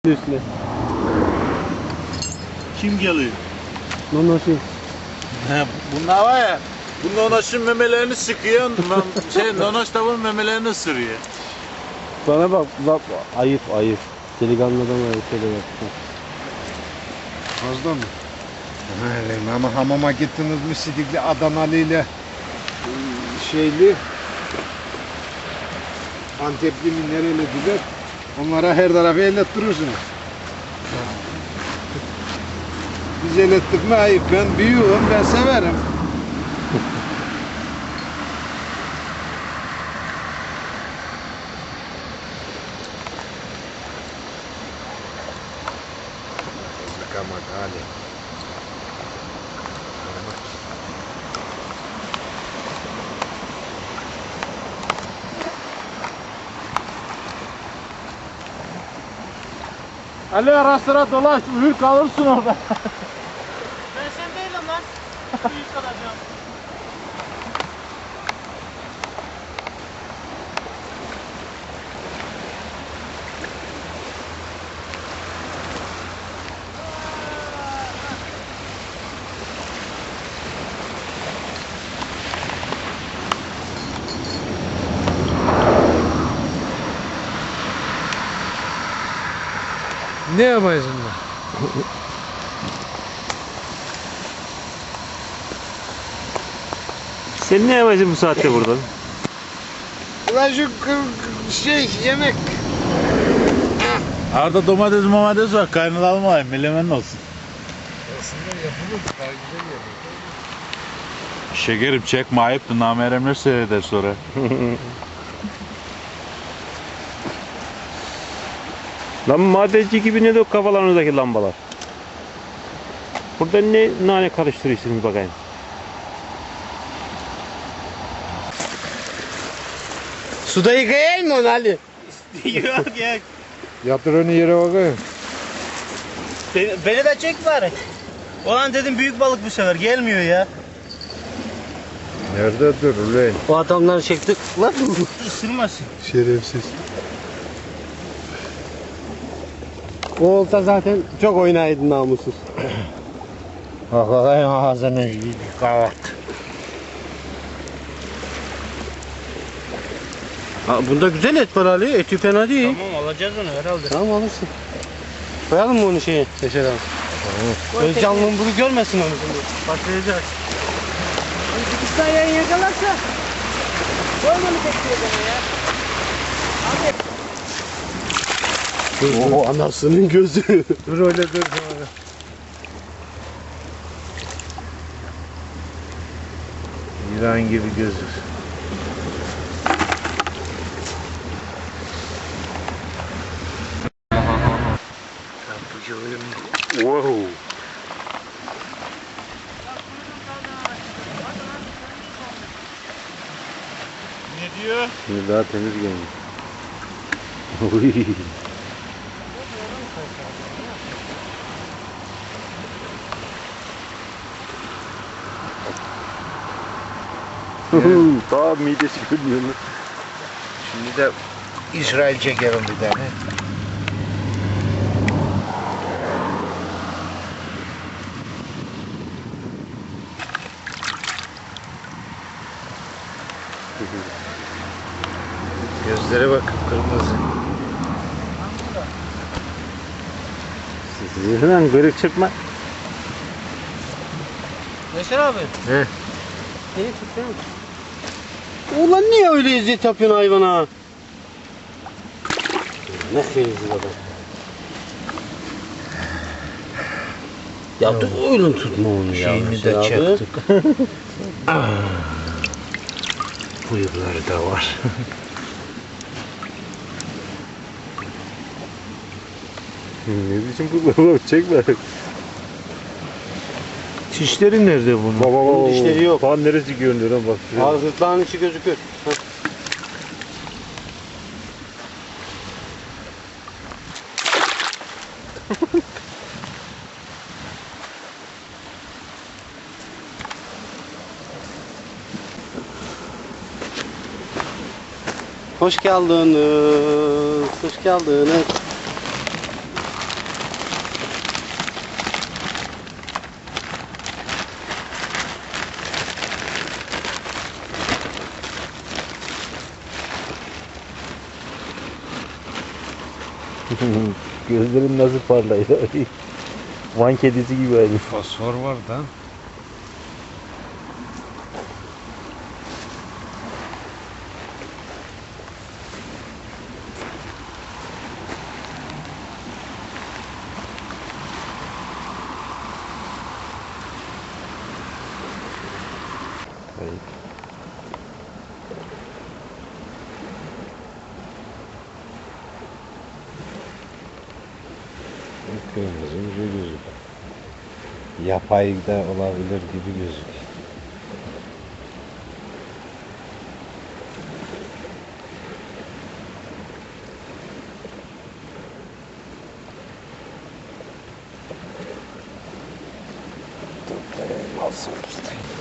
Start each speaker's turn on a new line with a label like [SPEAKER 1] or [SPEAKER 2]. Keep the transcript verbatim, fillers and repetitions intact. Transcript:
[SPEAKER 1] üstüne.
[SPEAKER 2] Kim geliyor?
[SPEAKER 1] Nonoşun.
[SPEAKER 2] He, bunlar var ya, bu nonoşun memelerini sıkıyor, şey, nonoş tavuğun memelerini ısırıyor.
[SPEAKER 1] Bana bak, bak ayıp ayıp. Delikanlıdan ayıp öyle bak.
[SPEAKER 3] Fazla mı? Öyle ama hamama gittiniz mi Sidikli Adanalı ile şeyli Antepli mi nerelidiler? Onlara her tarafı ellettirirsin. Biz ellettik mi ayıp. Ben büyüğüm, ben severim. Yıkamak hali.
[SPEAKER 2] Ali ara sıra dolaş, uyur kalırsın orada.
[SPEAKER 4] Ben sen değilim lan. Büyük kalacağım.
[SPEAKER 3] Ne yapaysın da?
[SPEAKER 1] Sen ne yapacaksın bu saatte burada?
[SPEAKER 3] Ulan şu şey yemek.
[SPEAKER 2] Arada domates domates var, kaynatalım var, melemen olsun.
[SPEAKER 3] Aslında yapılır, daha güzel yapılır.
[SPEAKER 2] Şekerim çekme, ayıptı, nameremler seyreder sonra.
[SPEAKER 1] Lan madenci gibi ne de o kafalarınızdaki lambalar. Burada ne nane karıştırıyorsunuz bakayım.
[SPEAKER 4] Suda yıkayayım mı onu Ali?
[SPEAKER 2] Yok ya.
[SPEAKER 3] Yatır onu yere bakayım.
[SPEAKER 4] Beni, beni de çek bari. Ulan dedim büyük balık bu sefer gelmiyor ya.
[SPEAKER 3] Nerede dur ulan?
[SPEAKER 4] O adamları çektik. Lan ısırmasın.
[SPEAKER 3] Şerefsiz.
[SPEAKER 1] O olta zaten çok oynaydı namussuz.
[SPEAKER 4] Bakayım ağzını kavat.
[SPEAKER 1] Ha, bunda güzel et var Ali. Eti fena değil.
[SPEAKER 4] Tamam alacağız onu herhalde.
[SPEAKER 1] Tamam alırsın. Koyalım mı onu şeye? Seçer abi.
[SPEAKER 4] Tamam.
[SPEAKER 1] Özcanlığın bunu görmesin onu şimdi.
[SPEAKER 4] Başlayacak. Bir saniye yakalarsa. Koyma mı tekliyor bana ya?
[SPEAKER 1] O anasının gözü.
[SPEAKER 3] Dur öyle dur sonra.
[SPEAKER 2] İran gibi gözür.
[SPEAKER 1] Wow.
[SPEAKER 2] Ne diyor?
[SPEAKER 1] Şimdi daha temiz gelmiş. Daha midesi görünüyor.
[SPEAKER 3] Şimdi de İsrail çekerim bir tane. Gözlere bak kırmızı.
[SPEAKER 1] Lan kırık çıkma.
[SPEAKER 4] Neşer abi.
[SPEAKER 3] He.
[SPEAKER 4] Seni tutsana.
[SPEAKER 1] Ulan niye öyle eziyet yapıyorsun hayvana? Ne feyizli adam. Ya dur öyle tutma onu ya.
[SPEAKER 3] Şeyini de çektik. Bıyıkları da var.
[SPEAKER 1] Ne biçim bu? Çekme.
[SPEAKER 2] Dişleri nerede bunun?
[SPEAKER 1] Baba baba.
[SPEAKER 4] Bunun dişleri yok.
[SPEAKER 1] Falan neresi görünüyor lan bak.
[SPEAKER 4] Ağzı gırtlağın içi gözüküyor. Heh. Hoş geldiniz. Hoş geldiniz.
[SPEAKER 1] Gözlerin nasıl parlıyor? Van kedisi gibi aynı.
[SPEAKER 3] Fosfor var da.
[SPEAKER 1] Ayıp.
[SPEAKER 3] Kırmızı gibi gözük. Yapay da olabilir gibi gözük. Alsın ustayım.